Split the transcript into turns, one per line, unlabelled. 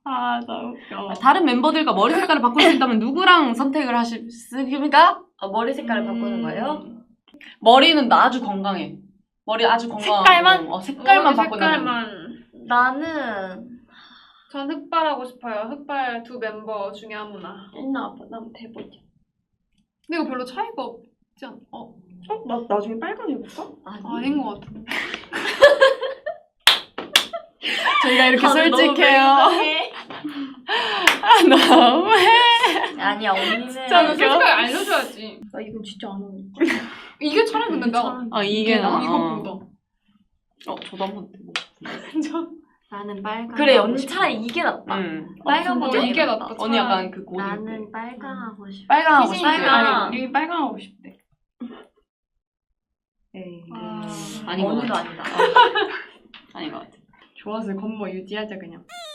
아, 너무 웃겨.
다른 멤버들과 머리 색깔을 바꿀 수 있다면 누구랑 선택을 하십니까?
머리 색깔을 바꾸는 거예요?
머리는 나 아주 건강해. 머리 아주 건강하고
색깔만?
색깔만
머리
바꾸는
색깔만.
나는
전 흑발하고 싶어요. 흑발 두 멤버 중에 아무나.
일나 아빠 나 한번 해보자.
근데 이거 별로 차이가 없지 않아?
나 나중에 빨간 해볼까?
아닌 것 같아.
저희가 이렇게
다들 너무
솔직해요.
맹랑해.
너무해.
아니야 언니는
저는
웃겨.
솔직하게 알려줘야지.
나 이건 진짜 안 어울려.
이게 차라리 근데 나
이게 나.
이거보다.
저도 한번 해볼게.
나는 빨간.
그래
하고
언니
싶어.
차라리 이게 낫다.
빨간
진짜?
버전
이게 낫다.
언니 약간 그 고딩.
나는 빨강 하고 싶어.
빨강 하고 싶대.
빨강.
아니, 님이 빨강 하고 싶대. 에이.
아,
아닌 것
언니도
같아.
아니다.
아닌 것 같아.
좋아서 건모 유지하자 그냥.